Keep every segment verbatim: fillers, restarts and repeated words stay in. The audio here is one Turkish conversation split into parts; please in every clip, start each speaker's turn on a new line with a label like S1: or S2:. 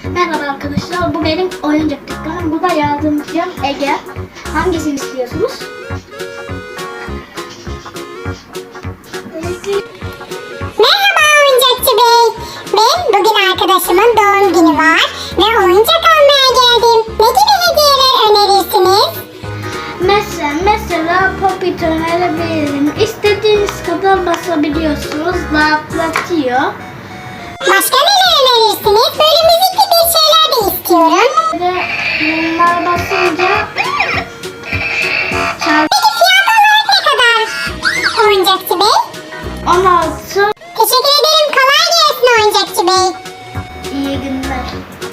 S1: Merhaba arkadaşlar, bu benim oyuncak dükkanım. Bu da yardımcım Ege. Hangisini istiyorsunuz?
S2: Merhaba oyuncakçı bey. Ben bugün arkadaşımın doğum günü var ve oyuncak almaya geldim. Ne gibi hediyeler önerirsiniz?
S1: Mesela, mesela Popit önerebilirim. İstediğiniz kadar basabiliyorsunuz. Rahatlatıyor.
S2: Başka neler önerirsiniz? Böyle müzikli bir şeyler de istiyorum.
S1: Ve bunlar basınca çarpı
S2: Peki fiyat olarak ne kadar oyuncakçı bey?
S1: on altı.
S2: Teşekkür ederim. Kolay gelsin oyuncakçı bey.
S1: İyi günler.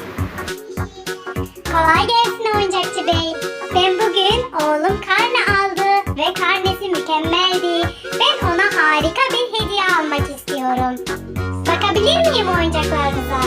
S2: Kolay gelsin oyuncakçı bey. Ben bugün oğlum karne aldı ve karnesi mükemmeldi. Ben ona harika bir hediye almak istiyorum. Bakabilir miyim oyuncaklarınıza?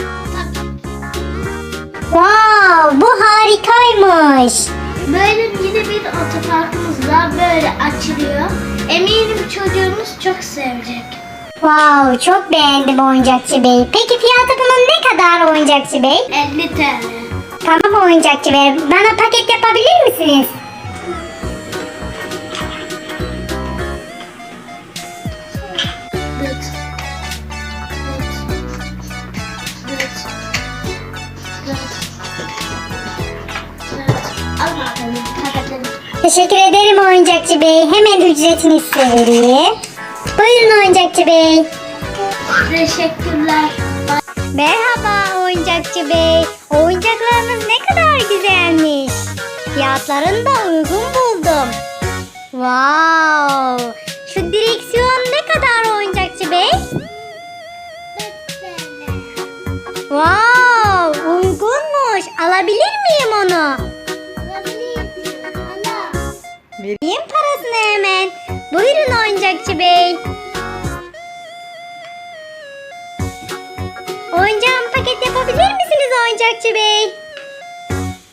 S2: Wow, bu harikaymış.
S1: Böyle yeni bir otoparkımız var. Böyle açılıyor. Eminim çocuğunuz çok sevecek.
S2: Wow, çok beğendim oyuncakçı bey. Peki fiyatı bunun ne kadar oyuncakçı bey?
S1: elli TL.
S2: Tamam oyuncakçı bey. Bana paket yapabilir misiniz?
S1: Dıt. Dıt. Dıt. Dıt. Dıt. Al bakalım, paketledim.
S2: Teşekkür ederim oyuncakçı bey. Hemen ücretini size vereyim. Buyurun oyuncakçı bey.
S1: Teşekkürler.
S2: Merhaba oyuncakçı bey. Oyuncaklarınız ne kadar güzelmiş. Fiyatlarını da uygun buldum. Wow. Şu direksiyon ne kadar oyuncakçı bey? Wow, uygunmuş. Alabilir miyim onu? Vereyim parasını hemen. Buyurun oyuncakçı bey. Oyuncağımı paket yapabilir misiniz oyuncakçı bey?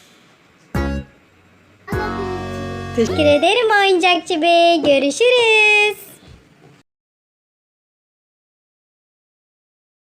S2: Teşekkür ederim oyuncakçı bey. Görüşürüz.